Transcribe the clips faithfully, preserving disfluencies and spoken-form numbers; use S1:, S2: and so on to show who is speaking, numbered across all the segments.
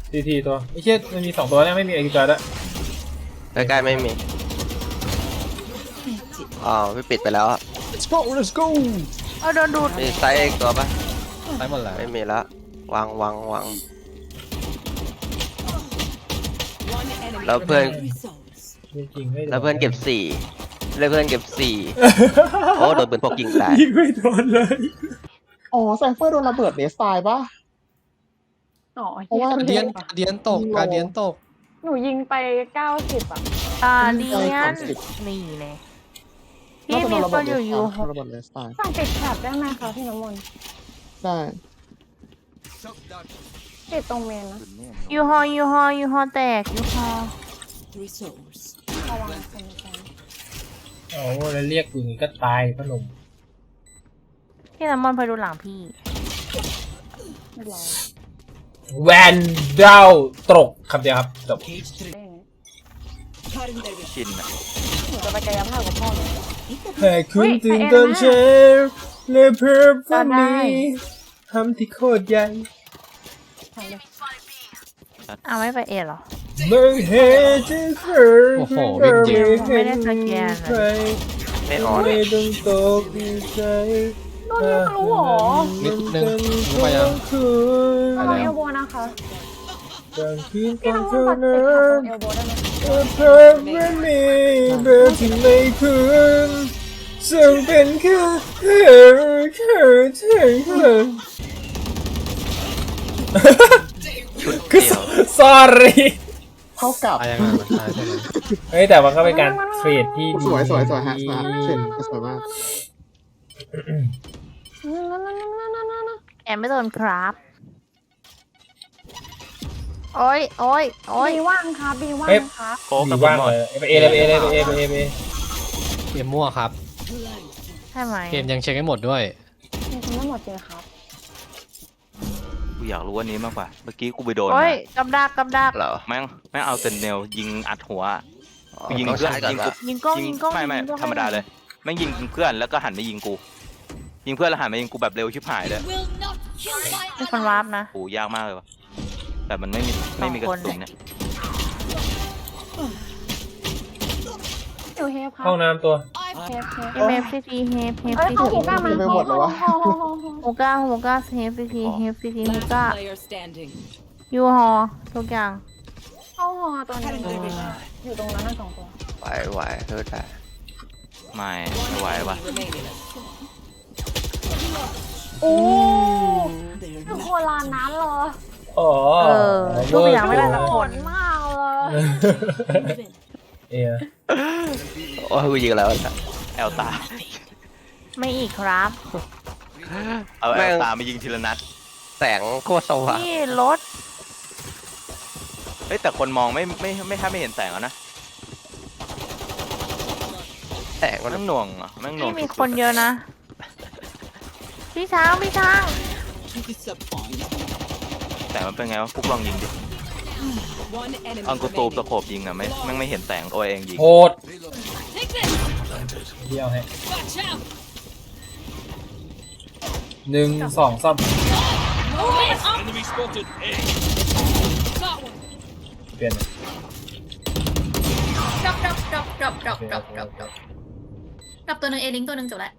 S1: ทีทีตัวไม่ใช่มันมีสองตัวเนี่ยไม่มีเอกิจอยด้วย
S2: ใกล้ๆไม่มีอ๋อไม่ปิดไปแล้วอะ
S1: let's go let's go
S3: เอาโดนดูด
S2: มีไซส์อีกตัวปะ
S1: ไปหมดแล้ว
S2: ไม่มีแล้ววางวางวางแล้วเพื่อน
S1: จริงๆไม่
S2: แล้วเพื่อนเก็บสี่แล้วเพื่อนเก็บสี่โอ้โดนปืนพกยิงตาย
S1: ยิงไม่โดนเลย
S4: อ๋อไซเฟอร์โดนระเบิดเนสตายปะ
S5: อ๋อ
S4: เพราะว่า
S6: เดียนเดียนตกการเดียนตก
S5: หนูยิงไปเก้าสิบอ่ะ
S3: อ่าเดียนนี่เลยพี่มีคนอยู่อยู่
S4: ระเบิดเนสตาย
S5: สั่งติดแถบได้ไหมคะพี่น้ำมนต์
S4: ได้
S5: ติดตรงเมนนะ
S3: ยูฮอยูฮอยูฮอแตกยูฮอ
S5: ระวังคนกัน
S1: โอ้แล้วเรียกกูอย่างนี้ก็ตายพนม
S3: พี่น้ำมันไปดูหลังพี่
S5: ไม่รอ
S1: แวนดาวตกคำเดียวครับจบ
S2: ชินอะ
S5: หนูจะไปกายภาพกับพ่อเลย
S1: ให้คุณตื่นตอนเช้าและเพิ่มฝันนี้ทำที่โคตรใหญ่
S3: เอาไม่ไปเอหรอ
S1: ไม่เห็นจะเคยโอ้โห
S3: ไม่ได้สแกน
S2: ไม่ออน
S1: ไม่ต้องตกใจ
S5: โดนยิงรู้หรอ
S6: นิดนึงรู้ไปยัง
S5: ระวังเอลโบนะคะ
S1: พี่
S5: น้ำมันปัดติดแถบตรงเอลโบได้ไหม
S1: เธอไม่มีเบอร์ที่ไม่คืนซึ่งเป็นแค่เธอเธอเธอเธอ
S2: ชุดเดียว
S1: sorry
S4: เท่ากับ
S6: อะไรมาใช่ใช่ไหม
S1: เฮ้ยแต่มันก็เป็นการเทรดที่
S4: สวยสวยสวยฮะสวยเช่นสวยมาก
S3: แอมไม่โดนครับโอ้ยโอ้ยโอ้ย
S5: บีว่างครับบีว่างครับ
S2: โค้กกับ
S1: ว่างเลยไปเอเลยไปเอเลยไปเอไปเอไปเอ
S6: เกมมั่วครับ
S3: ใช่ไหม
S6: เกมยังเช็คให้หมดด้วย
S5: ยังไม่หมดเลยครับ
S2: กูอยากรู้อันนี้มากกว่าเมื่อกี้กูไปโดน
S3: โอ้ยกำดักกำดัก
S2: เหรอแม่งแม่งเอาเซนเนลยิงอัดหัวยิงเพื่อนยิงกู
S3: ยิงกล้องยิงกล้อง
S2: ไม่ไม่ธรรมดาเลยแม่งยิงเพื่อนแล้วก็หันมายิงกูยิงเพื่อนแล้วหันมายิงกูแบบเร็วชิบหายเลย
S3: มีคนวาร์ปนะ
S2: โอ้ยากมากเลยวะแต่มันไม่มีไม่มีกระสุนเนี่ย
S5: อยู่เฮฟครับ
S1: ห้องน้ำตัว
S5: เฮฟเฮฟ
S3: เฮฟซีทีเฮฟเฮฟ
S5: เอ้ย
S3: ซี
S5: เขา
S3: ที
S5: หูก้ามา
S4: ไปหมดเลยวะ
S3: ฮูก้าฮูก้าเฮฟซีทีเฮฟซีทีฮูก้ายูฮอทุกอย่าง
S5: เข้าหอตัวนี้อยู่ตรงนั้นสองตัว
S2: ไหวไหวเฮ้ยแต่ไม่ไม่ไหววะ
S5: โอ้คือโคลานนั้นเหรอ
S1: อ๋อ
S3: เออทุกอย่างไม่ได้สักคน
S5: มากเลย
S1: เอ๊ะ
S2: โอ้ยกูยิงแล้วแอลตา
S3: ไม่อีกครับ
S2: เอาแอลตามายิงทีละนัดแสงโคตรสว่าง
S3: นี่รถ
S2: เฮ้ยแต่คนมองไม่ไม่ไม่แทบไม่เห็นแสงแล้วนะแสงมันหน่วงอ่ะมันหน่วง
S3: มีคนเยอะนะพี่ช้างพี่ช้าง
S2: แต่มันเป็นไงวะพวกลองยิงดิอังกูตูบตะโขบยิงอ่ะไม่ไม่ไม่เห็นแสงตัวเองยิง
S1: โหดเดียวให้หนึ่งสองสามเปลี่ยน
S7: ดับดับดับดับดับดับดับดับดับตัวหนึ่งเอลิงตัวหนึ่งจบแล้ว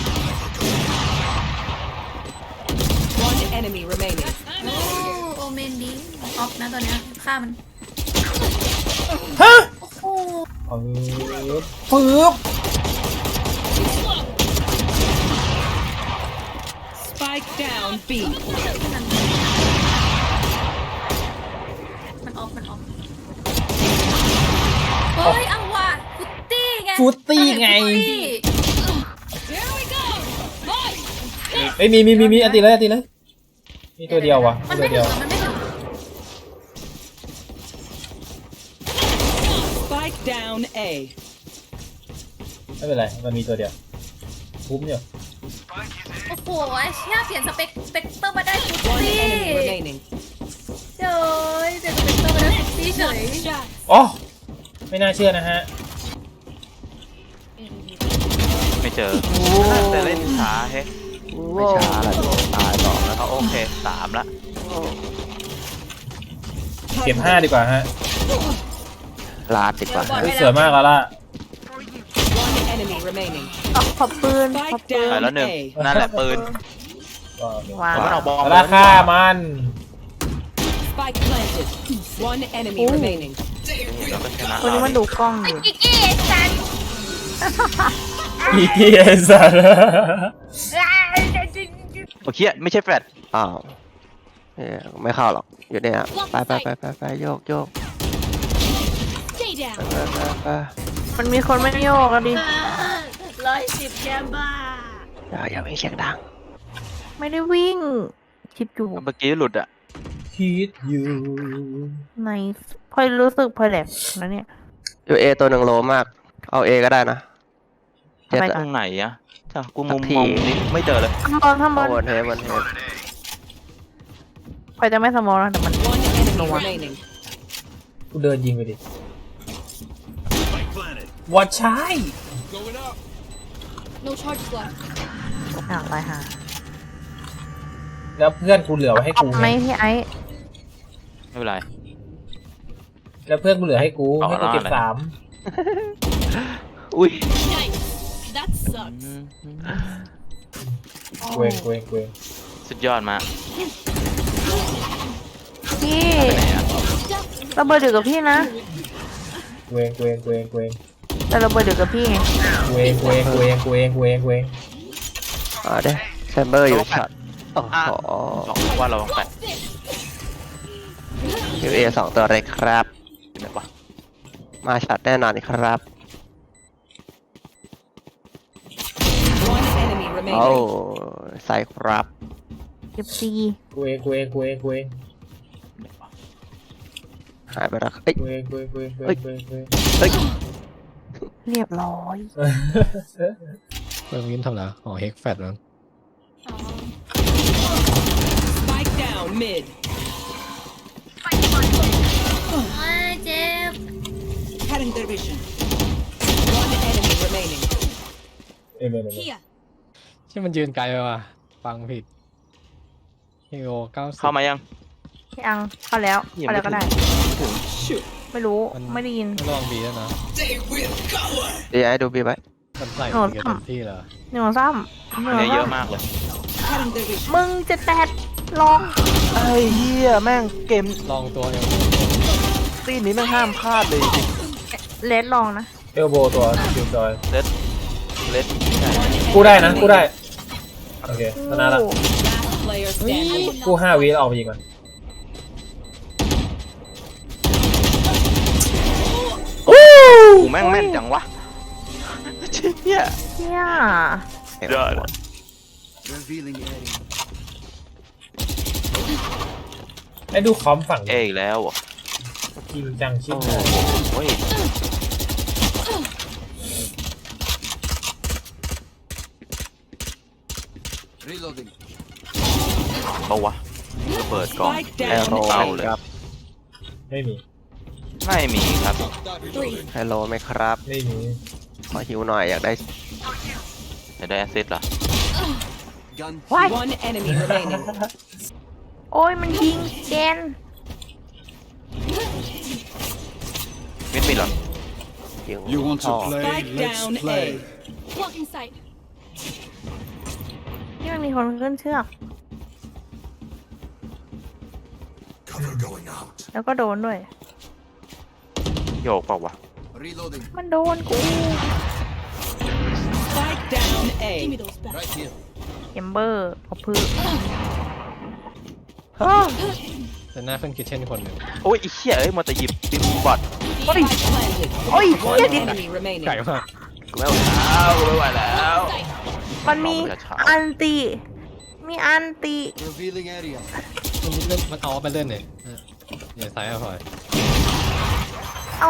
S7: โอ้โอเมนดีออฟนะตอนนี้ฆ่ามัน
S1: ฮะ
S7: โอ้
S1: ปึ๊บ
S8: Spike down B
S7: มันออฟมันออฟเฮ้ยเอาว่ะฟุตตี้ไง
S1: ฟุตตี้ไงเอ้ยมีมีมีมีอันตีเลยอันตีเลยมีตัวเดียววะ
S7: มันไม่ถึงมันไม่ถึง
S8: Spike down A
S1: ไม่เป็นไรมันมีตัวเดียวคุ้มอยู่
S7: โอ้โหเชี่ยเปลี่ยนสเปคสเปกเตอร์มาได้ฟุตตี้เจ๋ยเปลี่ยนสเปกเตอร์มาได้ฟุตตี้เฉย
S1: อ๋อไม่น่าเชื่อนะฮะ
S2: ไม่เจอแต่เล่นช้าเฮ้ไม่ช้าละโดนตายสองแล้วเขาโอเคสามละ
S1: เก็บห้าดีกว่าฮะ
S9: ลาดดีกว่า
S1: เฮ้ยสวยมากแล้วล่ะ
S8: One enemy remaining.
S3: ขอขอปืนขอ
S8: Spike
S3: ปืน
S2: ไป
S8: down
S2: แล้วหนึ่ง
S8: A.
S2: นั่นแหละปืน
S3: วาง
S2: มันเอาบอล
S1: ราคามัน
S8: Spike planted. One enemy remaining.
S2: เราก็ชนะ
S3: คนนี้มันดูกล้องอยู่
S7: กิ๊กกี้ไอ้สัน
S1: อีเกียสัตว์
S2: โอเคไม่ใช่แฟลช
S9: อ้าวเอ้ยไม่เข้าหรอกอยู่เนี่ยไปไปไปไปไปโยกโยกไปไปไป
S3: มันมีคนไม่โยกอะดิ
S7: ร้อยสิบแกมบ้า
S9: อย่าอย่าไม่เสียงดัง
S3: ไม่ได้วิ่ง คิดอยู่
S2: เมื่อกี้หลุดอ่ะ
S1: คิดอยู่
S3: ในพลอยรู้สึกพลอยแหลกนะเนี่ย
S9: อยู่เอตัวหนึ่งโลมากเอาเอก็ได้นะเจ็ด
S3: ไป
S2: ต
S3: กั
S2: ร
S3: น
S2: งไหนอะจ้ะกูมุม
S9: สักที
S2: มองนี้ไม่เจอเลย
S3: ข้างบนข้างบน
S9: บนเฮบนเฮ
S3: พลอยจะไม่สมองนะแต่มัน
S8: One enemy remaining.
S1: กูเดินยิงไปดิวัดใช้
S3: อ่าไปหา
S1: แล้วเพื่อนกูเหลือไว้ให้กู
S3: ไหมพี่ไอ้
S2: ไม่เป็นไร
S1: แล้วเพื่อนกูเหลือให้กู
S2: เอา
S1: ให้กูเก็บ
S2: เอาอะไร
S1: สาม
S2: อุ้ย
S1: เวงเวงเวง
S2: สุดยอดมาก
S3: พี่
S2: ไปไหนอะ
S3: ระเบิดเดือดกับพี่นะ
S1: เวงเวงเวงเวง
S3: แต่ระเบิดเดือดกับพี่ไง
S1: เวงเวงเวงเวงเวงเวง
S9: อ่าเด้แชมเบอร์อยู่ช็อตโอ้โห
S2: บอกว่าเราต้องแฟลช
S9: อยู่เอสองตัวเลยครับ
S2: อยู่ไหนวะ
S9: มาช็อตแน่นอนครับ
S8: One enemy
S9: โอ้
S8: remaining.
S9: ใส่ครับ
S3: เก็บซี
S1: เวงเวงเวงเวง
S9: หายไปแล้วเอ้ย
S1: เวงเวงเวงเวงเวงเวง
S9: เอ้ย
S3: เรียบร้อย
S6: เพิ่มวินทำแล้วอ๋อเฮกแฟดมั้ง
S8: Spike down mid.
S7: โอ้ยเจ็บ
S8: Cutting their vision. One enemy remaining.
S1: เอ้ยเมนเมน
S6: ที่มันยืนไกลไปว่ะฟังผิดฮีโร่เก้าสิบ
S2: เข้ามายัง
S3: พี่อังเข้าแล้ว
S2: ยัง
S3: เข้า
S2: ไม่
S3: แล้วก็ได้
S2: ถึง
S3: ไม่รู้ไม่ได้ยิน
S6: ไม่ลองบีแล้วนะ
S9: ดีไอ้ดูบีไว้
S6: มันใส่
S3: โอ้
S6: บีกัน
S3: ทำ
S6: เต็มที่เลย
S3: หนึ่งซ้ำหนึ่ง
S2: เนี่ยเย
S3: ซ้
S2: อะมากเลย
S8: Cutting their vision.
S3: ำมึงจะแตดลอง
S2: ไอ้เหี้ยแม่งเกม
S6: ลองตัวเอว
S2: ซีนนี้แม่งห้ามพลาดเลยจริง
S3: เลดลองนะ
S1: เอลโบตัวคิวจอย
S2: เล็ดเล็ด
S1: กูได้นะกูได้ โอเคชนะละ
S3: โอ้
S8: Last player standing.
S1: กูห้าวิแล้วออกไปยิงก่อน
S2: กูแม่งแม่นจังวะเหี้ย
S3: เชี่ย
S2: ยอด
S1: ไอ้ดูคอมฝั่ง
S2: เออีกแล้วเหรอ
S1: จริงจังชิบ
S2: โอ้
S1: หาย
S2: โหเอาวะระเบิดก่อน
S8: Spike
S9: ไฮ
S8: down
S9: โล
S2: เอาเลย
S9: ครับ
S1: ไม่มี
S2: ไม่มีครับ
S9: ไฮโลไหมครับ
S1: ไม่มี
S9: ขอหิวหน่อยอยากได้
S2: จะได้แอสซิสต์เหรอ
S8: One enemy remaining.
S3: โอ้ยมันยิงเจน
S2: มิดมิดเหรอ
S9: หิว
S10: You want
S9: ท่อ
S10: to play?
S8: Spike
S10: Let's
S8: down
S10: play.
S8: A.
S3: นี่มันมีคนขึ้นเชือก
S10: Cover going out.
S3: แล้วก็โดนด้วย
S2: โยกเปล่าวะ
S10: Reloading.
S3: มันโดนกู
S8: Spike down A.
S10: Right here.
S3: เกมเบอร์พอพื้น
S6: แต่หน้าขึ้นคิทเช่นคนหนึ่ง
S2: โอ้ยไอ้เหี้ยเอ้ยมันจะหยิบบิมบอด
S8: Spike planted.
S3: โอ้ย
S8: One
S3: เหี้ยดิ
S8: enemy remaining.
S6: ไก่มาก
S2: กูไม่ไหวแล้วกูไม่ไหวแล้ว
S3: มันมี
S2: เอาไปช้า
S3: อันติ มีอันติ
S10: Revealing area.
S6: มันเล่นมันเอาไปเล่นเนี่ยเอออย่าใส่เอาพอย
S3: เอ้า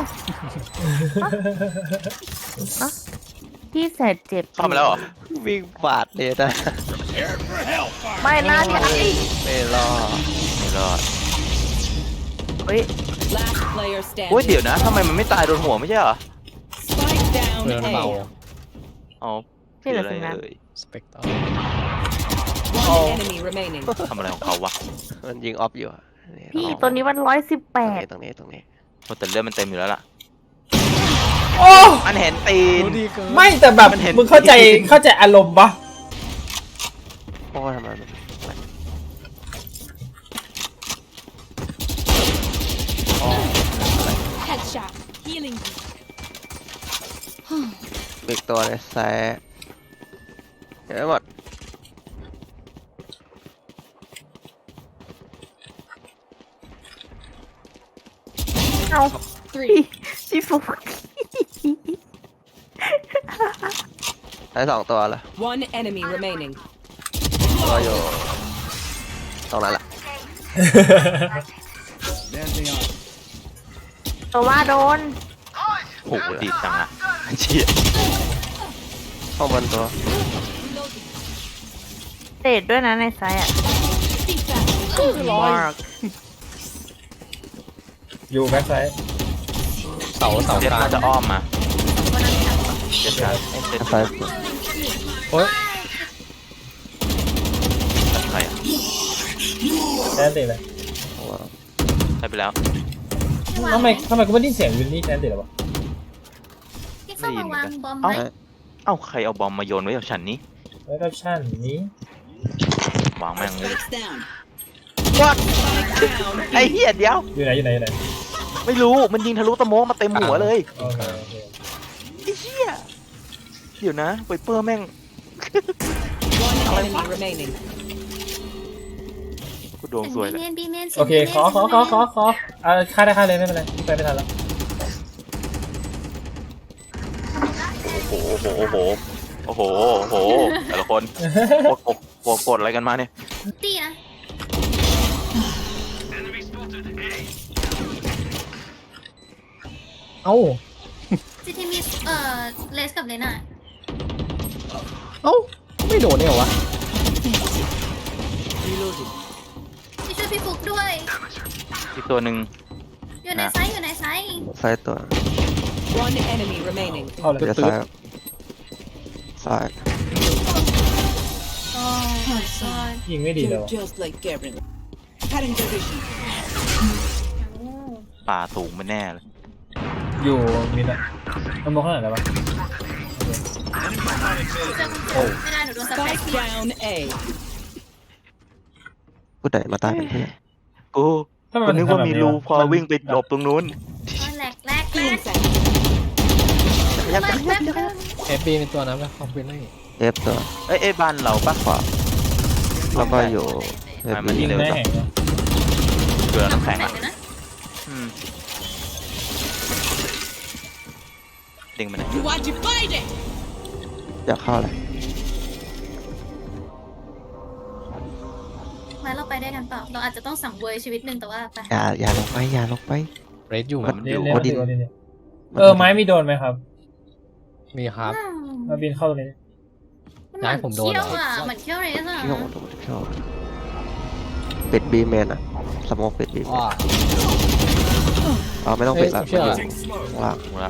S3: ฮะพี่แสดเจ็บ
S2: เข้ามาแล้วเหรอ
S9: วิ่งบาดเลยนะ
S3: ไม่น่าที่ไอ้
S9: ไม่รอด
S2: ไม่รอด
S3: เฮ้ย
S8: Last player
S2: โอ้ย
S8: standing.
S2: เดี๋ยวนะทำไมมันไม่ตายโดนหัวไม่ใช่เหรอ
S8: Spike down
S6: เพื่อนเบา
S8: A.
S2: อ๋อ
S3: ที่เหลือ
S2: อะไร
S3: สินะ
S2: เอ่ย
S6: สเปกเตอร์
S8: One enemy remaining.
S2: ทำอะไรของเขาวะ
S9: มันยิงออฟอยู่อะ
S3: พี่ตัวนี้มันร้อยสิบแป
S9: ตรง
S3: ด
S9: นี้ตรงนี้ตรงนี้
S2: โอ้แต่เลือดมันเต็มอยู่แล้วล่ะ
S1: โอ้
S2: มันเห็นตีน
S6: รู้ดีเกิน
S1: ไม่แต่แบบ
S2: มันเห็น
S1: มึงเข้าใจเข้าใจอารมณ์ปะ
S9: โอ้ทำไมมันมัน
S5: Headshot. Healing.
S9: อีกตัวเลยแซ่เดี๋ยวหมด
S3: เอาพี่พี่ฟุก
S9: ได้สองตัวเลย
S8: One enemy remaining.
S9: ตัวอยู่ตรงนั้นแหละ
S10: Dancing on.
S3: ตัวว่าโดน
S2: โอ้โหดีจังอะเชี่ย
S9: ข้างบนตัว
S3: เตะด้วยนะในไซส์อ่ะมาร์ก
S1: อยู่แบ็คไซด์
S6: เสาเสา
S2: เจ็ด
S6: กลาง
S2: น่าจะอ้อมมาเจ็ดการเจ็ด
S9: ไฟ
S6: โอ้ย
S2: ใครอะ
S1: แอนติเลย
S2: ใครไปแล้ว
S1: ทำไมทำไมกูไม่ได้ยินเสียงวินนี่แอนติเลยวะ
S7: พี่เข้ามาวางบอม
S2: เอ้า
S7: ไว้
S2: เอ้าใครเอาบอมมาโยนไว้กับฉันนี้
S1: แล้วก็ชั่นนี้
S2: วางแม่งเลย
S8: Spikes down.
S2: ไอ้เหี้ยเดียว
S1: อยู่ไหนอยู่ไหนอยู่ไหน
S2: ไม่รู้มันยิงทะลุตะโมกมาเต็มหัวเลย
S1: โอเคโอเค
S2: ไอ้เหี้ยเดี๋ยวนะไวเปอร์แม่ง
S8: One enemy remaining.
S2: กูดวงสวย
S7: บี
S2: เลย
S7: เมนบีเมน
S1: โอเคขอขอขอขอขออ่าฆ่าได้ฆ่าเลยไม่เป็นไรไปไม่ทันแล้ว
S2: โอ้โหโอ้โหโอ้โหโอ้โหแต่ละคนกดกดกดกดอะไรกันมาเนี่ย
S7: ตีนะ
S6: เอ้า
S7: จีทีมีเอ่อเลสกับเลน่า
S6: เอ้าไม่โดนเนี่ยเหรอวะ
S8: Reloading.
S7: พี่ช่วยพี่ฟุกด้วย
S2: อีกตัวหนึ่ง
S7: อยู่ในไซส์อยู่ในไซส์
S9: ไฟตัว
S8: One enemy remaining.
S1: เข้าเลย
S9: เดี๋ยวซ้ายซ้าย
S7: โอ้ my god
S1: ยิงไม่ดีเลยวะ
S8: You're just like Gavin. Cutting their vision.
S2: ป่าสูงไปแน่เลย
S1: อยู่มิดอะมันมองข้างไหนแล้ววะ
S7: โอ้ไม่ได้หนูโดนสเปค
S8: Spike down A.
S9: ผู้ใดมาตายเป็นเพื่อน
S2: กู
S1: ทำไม
S2: กู
S1: มัน
S2: นึกว่ามีรูพอวิ่งไปหลบตรงนู้น
S7: แหลกแหลกแหล
S8: Healing
S7: ก
S8: sight.
S2: ยับยับยับยับ
S6: เอฟบีในตัวนั้นไหมคอมพิวเตอร์
S9: เอฟตัว
S2: เอ้ยเอ้ยบ้านเราปะ
S9: ขวาแล้วก็อยู่เอฟ
S2: มัน
S9: บี
S2: นี่
S1: ยิง
S2: เร็ว
S1: แม่
S2: จัง
S1: แห่งเนาะ
S2: เกลือน้ำแข็ง
S7: แหล
S2: อ่ะ
S7: กเลยนะ
S2: อืมดึงมัน
S8: You want to fight it?
S9: อยากเข้าเลย
S7: มาเราไปได้กันเปล่าเราอาจจะต้องสังเวยชีวิตหนึ่งแต่ว่าไป
S9: อย่าอย่าลงไปอย่าลงไป
S6: เรดอยู่
S2: มัน
S1: เล่
S2: อน ยู่
S1: เล่น
S9: โอดิน
S1: โอดินเนี่ยเออไม้มีโดนไหมครับ
S6: มีครับ
S1: มาบินเข้าตรงนี้
S6: ย้ายผมโดนเหรอ
S7: เขี้ยวอ่ะเหมือนเขี้ยวเรสอ่ะ
S9: เที่ยวดูเที่ยวปิดบีเมนอะสโมกปิดบีเมน
S6: ว้า
S9: เอาไม่ต้องปิดละ
S6: เฮ้ย
S9: มัน
S6: เชื่
S9: อ
S6: อ
S9: ยู่ข้างล่าง
S2: หมดละ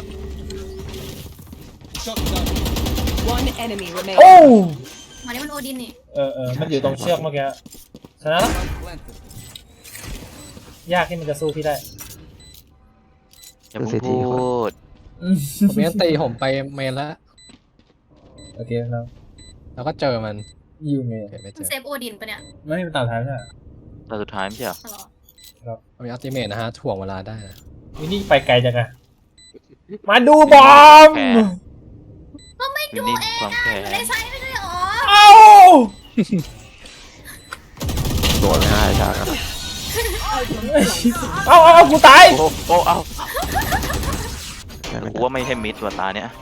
S10: Shut down.
S8: One enemy
S1: โอ้
S8: remaining.
S7: มานี่มันโอดินนี่
S1: เออเออมันอยู่ตรงเชือกเมื่อกี้ชนะแล้ว
S10: Planted.
S1: ยากที่มันจะสู้พี่ได้
S2: อย่าเพิ่งพูด
S1: อืม
S6: ผมยังตีผมไปเมนแล้ว
S1: โอเคครับ
S6: แล้วก็เจอมัน
S1: ยูเมย์
S6: เห็นไม่เจ
S7: มัน
S6: อ
S7: เซฟโอดินปะเนี่ย
S1: ไม่เป็นตาท้ายใช่ไหม
S2: แต่สุดท้ายไม่ใช่เหรอ
S7: อ๋อเหรอ
S6: มีอัลติเมทนะฮะถ่วงเวลาได้นะ
S1: วินนี่ไปไกลจังอะมาดูบอม
S2: แพ้
S7: ก็ไม่
S2: วิน
S7: ดู
S2: นี่
S7: เอง
S2: ความ
S7: อ่ะ
S2: แพ้
S7: อยู่ในไซส์ไม่ใช่หรอ
S1: เอ้า
S9: โดนง่ายจังอะ
S1: เอ้าเอาเอากูตาย
S2: โอ้โอ้เอา
S9: ได้ไหม
S2: กูว่าไม่ใช่มิดตัวตาเนี่ย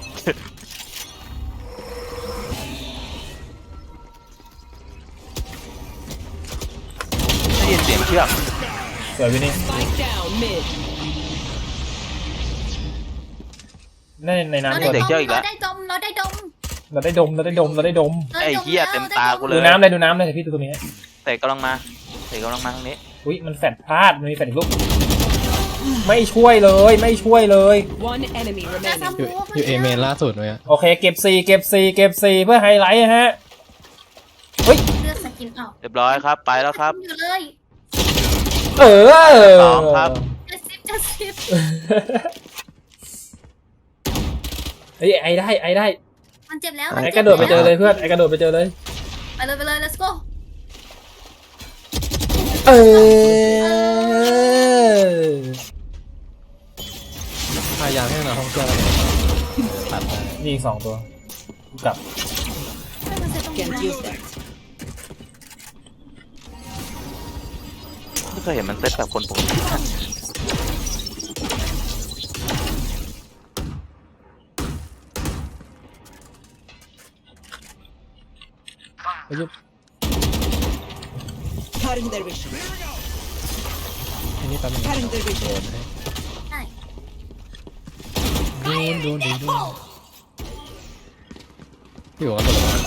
S2: ได้ยินเสียงเชือก
S1: สวยวินนี่
S8: Spike down mid.
S1: ในใน
S7: เรา
S1: น้ำ
S7: ได้
S1: ก่อน
S7: ดมเราได้ดมเราได้ดม
S1: เราได้ดมเราได้ดมเราได้ดม
S7: รา
S2: ไอ้
S7: ด้ด
S2: เหี้ยเต็มตากูเล
S1: ดู
S2: ย
S1: น้ำเลยดูน้ำเลยเดี๋ยวพี่ดูตรงนี้
S2: เตะกำลังมาเตะกำลังมาทางนี้
S1: อุ้ยมันแฟดพลาดมันมีแฟดอีกลูกไม่ช่วยเลยไม่ช่วยเลย
S8: One enemy
S7: จะ
S8: remaining.
S7: ทำ
S6: อยู่
S7: มูฟ
S6: อยู่เอเมนล่าสุดเลยอะ
S1: โอเคเก็บสี่เก็บสี่เก็บสี่เพื่อไฮไลท์ฮะเฮ้ย
S7: เลือกสกินเอา
S2: เรียบร้อยครับไปแล้วครับ
S7: อยู่เลย
S1: เออ
S2: สองครับ
S7: จะซิบจะซิบ
S1: เฮ้ยไอ้ได้ไอ้ได้
S7: มันเจ็บแล้ว
S1: ไอ้กระโดดไปเจอเลยเพื่อนไอ้กระโดดไปเจอเลย
S7: ไปเลยไปเลย let's go
S1: เออ
S6: พยายามให้หน่อยห้องเครื่องตัดได้
S1: นี่อีกสองตัวกลับ
S8: Can't use that.
S2: ไม่เคยเห็นมันเซตแบบคนปกติ
S6: ไปยุบ
S8: Cutting their vision.
S6: อันนี้แป๊บนึง
S8: Cutting their
S6: โด
S8: vision.
S6: นให้
S7: ใช่
S6: โดนโดนโดนโดนพี่หัวตัวละ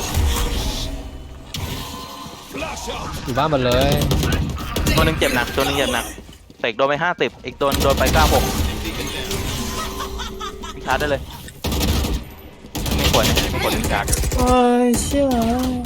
S6: อยู่บ้านหมดเลย
S2: ตัวหนึงเจ็บหนักตัวหนึงเจ็บหนักเตกโดนไปห้าสิบอีกตัวโดนไปเก้าหกชาร์จได้เลยไม่ควรนะไม่ควรเล่นการ์ด
S1: โอ้ยเชี่ย